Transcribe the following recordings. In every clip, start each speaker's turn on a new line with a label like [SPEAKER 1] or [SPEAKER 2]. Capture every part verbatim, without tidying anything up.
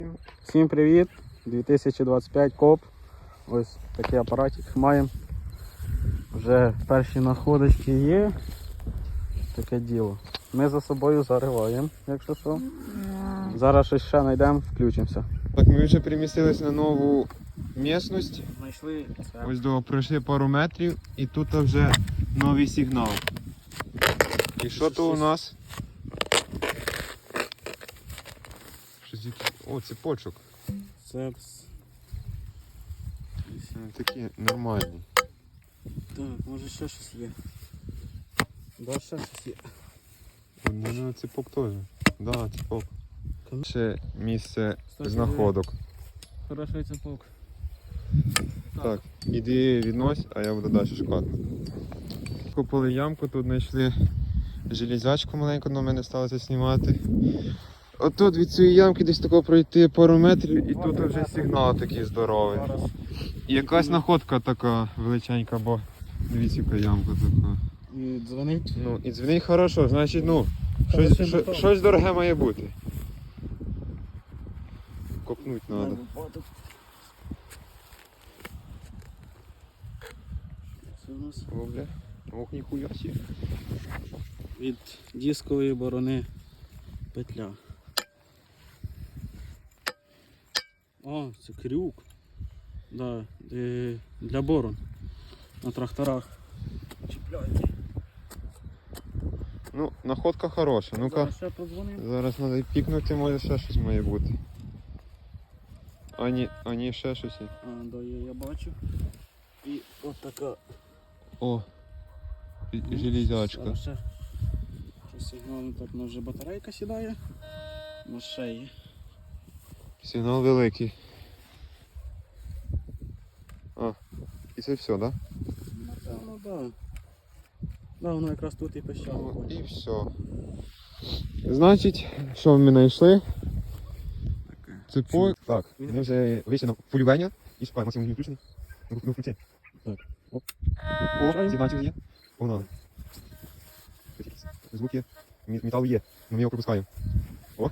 [SPEAKER 1] Всім привіт! дві тисячі двадцять п'ять коп. Ось такий апаратик маємо. Вже перші находочки є. Таке діло. Ми за собою зариваємо, якщо що. Зараз щось ще знайдемо, включимося.
[SPEAKER 2] Так, ми вже перемістились на нову місцевість.
[SPEAKER 1] Знайшли.
[SPEAKER 2] Ось до пройшли пару метрів і тут вже новий сигнал. І що то у нас? Щось якийсь... О, цепочок.
[SPEAKER 1] Це...
[SPEAKER 2] Такий нормальний.
[SPEAKER 1] Так, може ще щось є. Да, ще щось є.
[SPEAKER 2] У мене цепок теж. Да, цепок. Ще місце
[SPEAKER 1] Кстати,
[SPEAKER 2] знаходок.
[SPEAKER 1] Хороший цепок.
[SPEAKER 2] Так, іди віднось, а я буду далі шукати. Купили ямку, тут знайшли железячку маленьку, але мене сталося знімати. Отут від цієї ямки десь тако пройти пару метрів і тут вже сигнал такий здоровий. І якась находка така величенька, бо дивіться, яка ямка така.
[SPEAKER 1] І дзвонить.
[SPEAKER 2] Ну і дзвонить хорошо, значить, ну, щось, щось, щось дороге має бути. Копнуть треба.
[SPEAKER 1] Це у нас
[SPEAKER 2] О, бля. Ох, ніхуя сі.
[SPEAKER 1] від дискової борони петля. О, це крюк. Да, е, для борон. На тракторах. Чіпляйте.
[SPEAKER 2] Ну, находка хороша. Ну-ка,
[SPEAKER 1] Зараз ще подзвонимо.
[SPEAKER 2] зараз треба пікнути, може ще щось має бути. А ні, а ні, ще щось є.
[SPEAKER 1] А, да, є, я бачу. І от така.
[SPEAKER 2] О, і-
[SPEAKER 1] Ну,
[SPEAKER 2] железячка.
[SPEAKER 1] зараз ще щось сигнал, так, ну вже батарейка сідає. На шиї.
[SPEAKER 2] Сигнал великий. А, і це все, так? Да?
[SPEAKER 1] Напевно, так. Да. Да, воно якраз тут і пищало.
[SPEAKER 2] Ну, і все. Значить, що ми знайшли? Цепок. Так, ми вже вийшли на полювання. І шукаємо, Максим, він включений. Ну, ну, включи.
[SPEAKER 1] Так.
[SPEAKER 2] Оп. О, сигнальчик є. Погнали. Звук є. Мі- Метал є. Ну, ми його пропускаємо. О.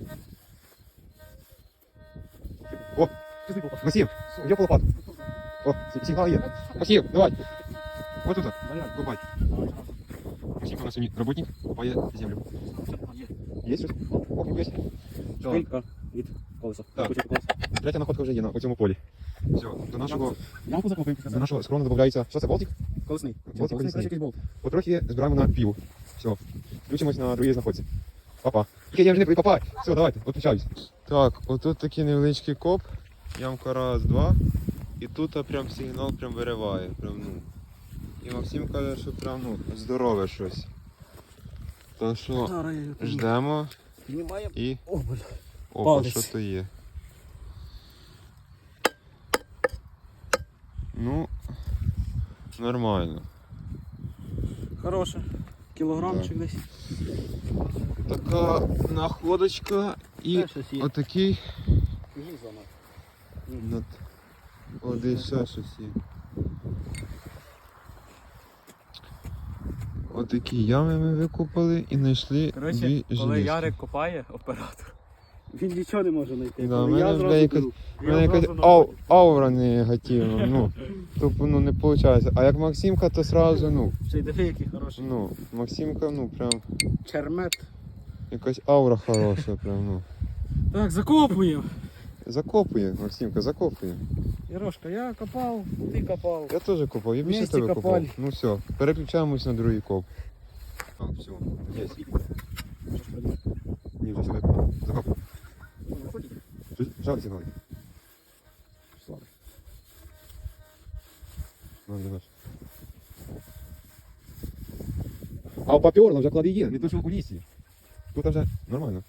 [SPEAKER 2] О, Максим, йди по лопату. О, с- сигнал є. Максим, давай. Вот тут. Копай. Максим у нас сьогодні работник, копає землю. Є щось? О, ніхуя сі.
[SPEAKER 1] Шпилька від колеса.
[SPEAKER 2] Так.
[SPEAKER 1] Кусочок колеса.
[SPEAKER 2] Третя находка вже є на цьому полі. Все, до нашого,
[SPEAKER 1] Ямку закопаємо.
[SPEAKER 2] до нашого схрону додається. Що це, болтик?
[SPEAKER 1] Колесний.
[SPEAKER 2] Болтик колесний.
[SPEAKER 1] якийсь болт.
[SPEAKER 2] Потрохи збираємо на пиво. Все. Включимось на другій знаходці. Папа. Тільки я вже не папа. Все, давайте, відключаюсь. Так, отут такий невеличкий коп. Ямка раз, два. І тут прям сигнал прям вириває. Прям, ну. І Максим каже, що прям ну, здорове щось. То що
[SPEAKER 1] Зараз я його підніму.
[SPEAKER 2] ждемо
[SPEAKER 1] Піднімаємо.
[SPEAKER 2] і...
[SPEAKER 1] О, бля.
[SPEAKER 2] Опа,
[SPEAKER 1] Палець.
[SPEAKER 2] що то є. Ну, нормально.
[SPEAKER 1] Хороше. Кілограмчик десь.
[SPEAKER 2] Така находочка і
[SPEAKER 1] Ще щось є.
[SPEAKER 2] отакий.
[SPEAKER 1] Гільза,
[SPEAKER 2] Над... О, десь ще щось є. Отакі ями ми викопали і знайшли
[SPEAKER 1] Коротше,
[SPEAKER 2] дві
[SPEAKER 1] коли
[SPEAKER 2] жилішки.
[SPEAKER 1] Ярик копає, оператор, він нічого не може знайти.
[SPEAKER 2] Да,
[SPEAKER 1] Коли
[SPEAKER 2] в
[SPEAKER 1] я
[SPEAKER 2] мене, бля,
[SPEAKER 1] зразу
[SPEAKER 2] якась-
[SPEAKER 1] беру.
[SPEAKER 2] У
[SPEAKER 1] Я
[SPEAKER 2] мене якась
[SPEAKER 1] зразу
[SPEAKER 2] ау,
[SPEAKER 1] знаходжу.
[SPEAKER 2] аура негативна, ну. Тобто, ну, не виходить. А як Максимка, то сразу, ну,
[SPEAKER 1] Ще й диви, який хороший.
[SPEAKER 2] ну, Максимка, ну, прям,
[SPEAKER 1] Чермет.
[SPEAKER 2] якась аура хороша, прям, ну.
[SPEAKER 1] Так, закопуємо.
[SPEAKER 2] Закопує, Максимка, закопує.
[SPEAKER 1] Ярошка, я копав, ти копав.
[SPEAKER 2] Я теж копав, я більше
[SPEAKER 1] Вместе
[SPEAKER 2] тебе
[SPEAKER 1] копали.
[SPEAKER 2] копав. Ну все, переключаємось на другий коп. Так, все, є. Ні, вже сюди. Закопав. Жаль сигнал.
[SPEAKER 1] Слабо.
[SPEAKER 2] Ну, не наш. А у попёрло вже клади є, не то що у лісі. Тут вже нормально.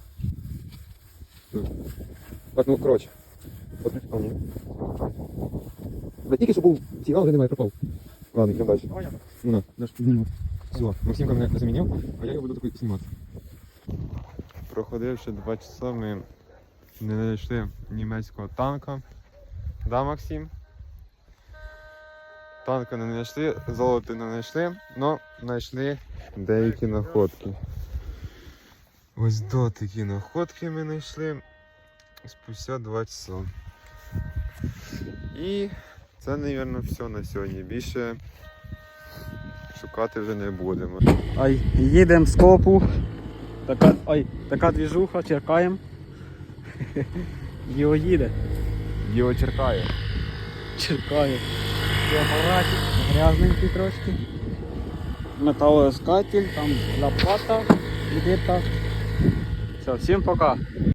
[SPEAKER 2] Так, ну, коротше. Подключ... А, ні. Да тільки що був сигнал, вже немає, пропав. Ладно, йдемо далі. Ну на, наш піднімок. Все, Максимка мене замінив, а я його буду такий знімати. Проходивши два часа, ми не знайшли німецького танка. Да, Максим? Танка не знайшли, золота не знайшли, але знайшли деякі находки. Ось до такі находки ми знайшли. спустя два часа. І це, мабуть, все на сьогодні. Більше шукати вже не будемо.
[SPEAKER 1] Ай, їдемо з копу. Така, ой, така двіжуха, черкаємо. Його їде.
[SPEAKER 2] Його черкає.
[SPEAKER 1] Черкає. Це апаратик, грязненький трошки. Металоіскатель, там лопата, і так. Все, всім пока.